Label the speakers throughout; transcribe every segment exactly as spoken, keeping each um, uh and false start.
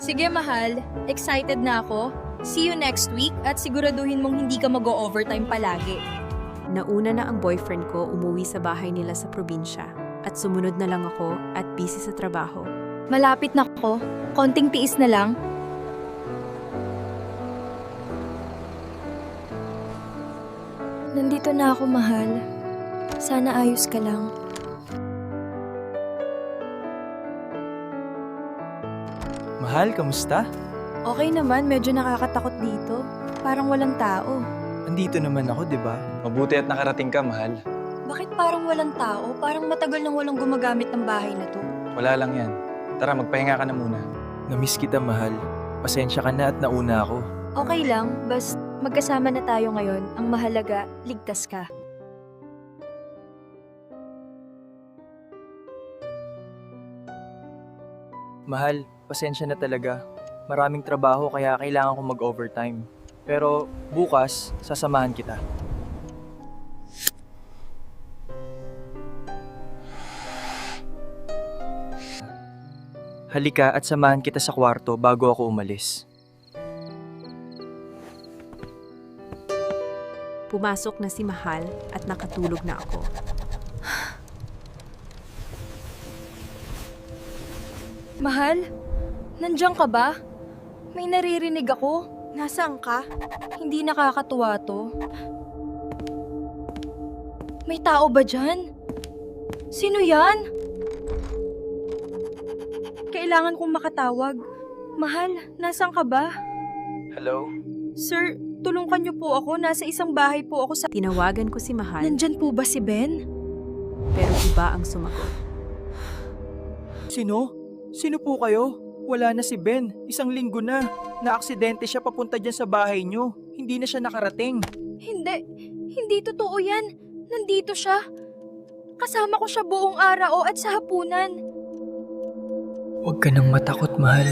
Speaker 1: Sige mahal, excited na ako. See you next week at siguraduhin mong hindi ka mag-o-overtime palagi.
Speaker 2: Nauna na ang boyfriend ko umuwi sa bahay nila sa probinsya at sumunod na lang ako at busy sa trabaho.
Speaker 1: Malapit na ako. Konting tiis na lang. Nandito na ako, mahal. Sana ayos ka lang.
Speaker 3: Mahal, kamusta?
Speaker 1: Okay naman, medyo nakakatakot dito. Parang walang tao.
Speaker 3: Andito naman ako, di ba? Mabuti at nakarating ka, mahal.
Speaker 1: Bakit parang walang tao? Parang matagal nang walang gumagamit ng bahay na to.
Speaker 3: Wala lang yan. Tara, magpahinga ka na muna. Namiss kita, mahal. Pasensya ka na at nauna ako.
Speaker 1: Okay lang, basta magkasama na tayo ngayon. Ang mahalaga, ligtas ka.
Speaker 3: Mahal, pasensya na talaga. Maraming trabaho kaya kailangan ko mag-overtime. Pero bukas, sasamahan kita. Halika at samahan kita sa kwarto bago ako umalis.
Speaker 2: Pumasok na si Mahal at nakatulog na ako.
Speaker 1: Mahal, nandiyan ka ba? May naririnig ako. Nasaan ka? Hindi nakakatuwa to. May tao ba dyan? Sino yan? Kailangan kong makatawag. Mahal, nasaan ka ba?
Speaker 3: Hello?
Speaker 1: Sir, tulungan niyo po ako. Nasa isang bahay po ako sa...
Speaker 2: Tinawagan ko si Mahal
Speaker 1: Nandyan po ba si Ben?
Speaker 2: pero iba ang sumagot.
Speaker 3: Sino? Sino po kayo? Wala na si Ben. Isang linggo na. Naaksidente siya papunta dyan sa bahay niyo. Hindi na siya nakarating.
Speaker 1: Hindi. Hindi totoo yan. Nandito siya. Kasama ko siya buong araw at sa hapunan.
Speaker 3: Huwag ka nang matakot, mahal.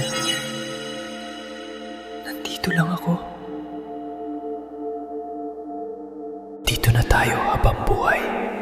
Speaker 3: Nandito lang ako. Dito na tayo habang buhay.